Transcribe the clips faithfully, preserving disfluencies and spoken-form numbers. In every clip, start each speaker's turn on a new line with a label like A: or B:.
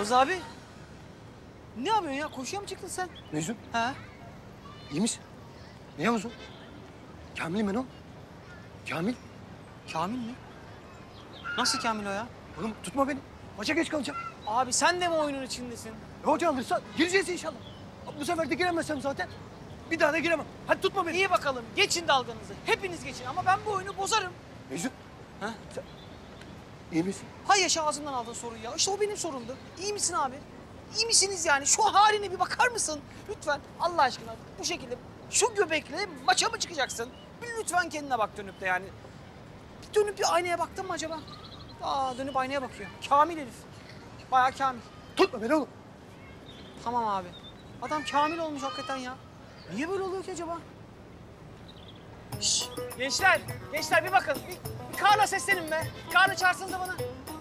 A: Yavuz abi. Ne yapıyorsun ya? Koşuya mı çıktın sen?
B: Mecnun,
A: Ha?
B: iyi misin? Ne Yavuz o? Kamil'im ben o. Kamil.
A: Kamil mi? Nasıl Kamil o ya?
B: Oğlum tutma beni. Maça geç kalacağım.
A: Abi sen de mi oyunun içindesin?
B: E, hoca alırsa gireceğiz inşallah. Bu sefer de giremezsem zaten bir daha da giremem. Hadi tutma beni.
A: İyi bakalım. Geçin dalganızı. Hepiniz geçin ama ben bu oyunu bozarım.
B: Mecnun,
A: Ha?
B: sen iyi misin?
A: Hay yaşa ağzımdan aldın soruyu ya. İşte o benim sorumdu. İyi misin abi? İyi misiniz yani? Şu haline bir bakar mısın? Lütfen Allah aşkına bu şekilde şu göbekle maça mı çıkacaksın? Bir lütfen kendine bak dönüp de yani. Bir dönüp bir aynaya baktın mı acaba? Aa dönüp aynaya bakıyor. Kamil herif. Bayağı kamil.
B: Tutma beni oğlum.
A: Tamam abi. Adam kamil olmuş hakikaten ya. Niye böyle oluyor ki acaba? Şş, gençler, gençler bir bakın. Bir, bir Kaan'a seslenin be. Kaan'ı çağırsanıza bana.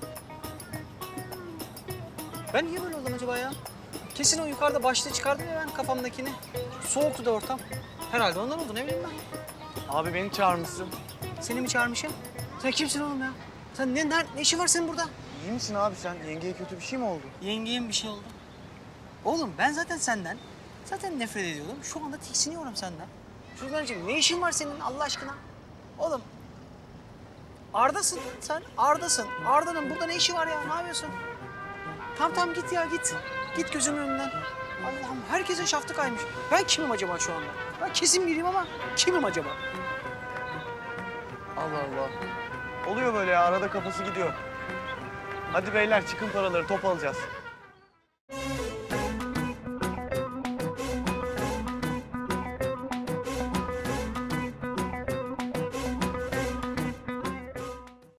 A: Ben niye böyle oldum acaba ya? Kesin o yukarıda başlığı çıkardım ya ben kafamdakini. Soğuktu da ortam. Herhalde ondan oldu ne bileyim ben.
C: Abi beni çağırmışsın.
A: Seni mi çağırmışım? Sen kimsin oğlum ya? Sen ne, ne, ne işin var senin burada?
C: İyi misin abi sen? Yengeye kötü bir şey mi oldu?
A: Yengeyim bir şey oldu. Oğlum ben zaten senden, zaten nefret ediyordum. Şu anda tiksiniyorum senden. Şuradan ne işin var senin Allah aşkına? Oğlum Arda'sın sen, Arda'sın. Arda'nın burada ne işi var ya? Ne yapıyorsun? Tamam tamam git ya git. Git gözümün önünden. Allah'ım herkesin şaftı kaymış. Ben kimim acaba şu anda? Ben kesin biriyim ama kimim acaba?
C: Allah Allah. Oluyor böyle ya arada kafası gidiyor. Hadi beyler çıkın paraları top alacağız.